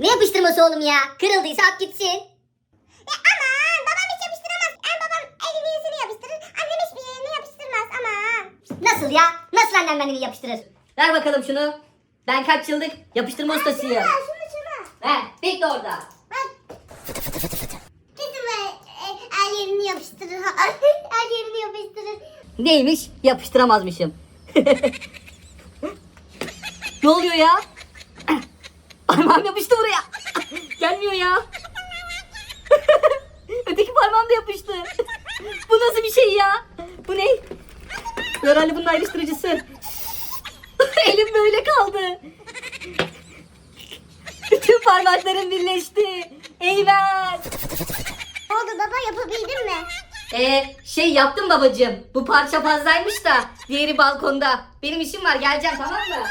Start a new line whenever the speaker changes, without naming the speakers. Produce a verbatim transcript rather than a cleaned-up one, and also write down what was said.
Ne yapıştırması oğlum ya? Kırıldıysa at gitsin.
Ya aman babam hiç yapıştıramaz. En babam elini yüzünü yapıştırır. Annem hiçbir yerini yapıştırmaz aman.
Nasıl ya? Nasıl annem beni yapıştırır? Ver bakalım şunu. Ben kaç yıllık yapıştırma ustasıyım.
Şunu şunu şunu.
Ver. Bekle orada.
Bak. Kesin böyle e, el yerini yapıştırır. El yerini yapıştırır.
Neymiş? Yapıştıramazmışım. Ne oluyor ya? Parmağım yapıştı buraya. Gelmiyor ya. Öteki parmağım da yapıştı. Bu nasıl bir şey ya? Bu ne? Herhalde bunun ayrıştırıcısı. Elim böyle kaldı. Bütün parmaklarım birleşti. Eyvah.
Ne oldu baba, yapabildin mi?
Ee, şey yaptım babacığım. Bu parça fazlaymış da diğeri balkonda. Benim işim var, geleceğim, tamam mı?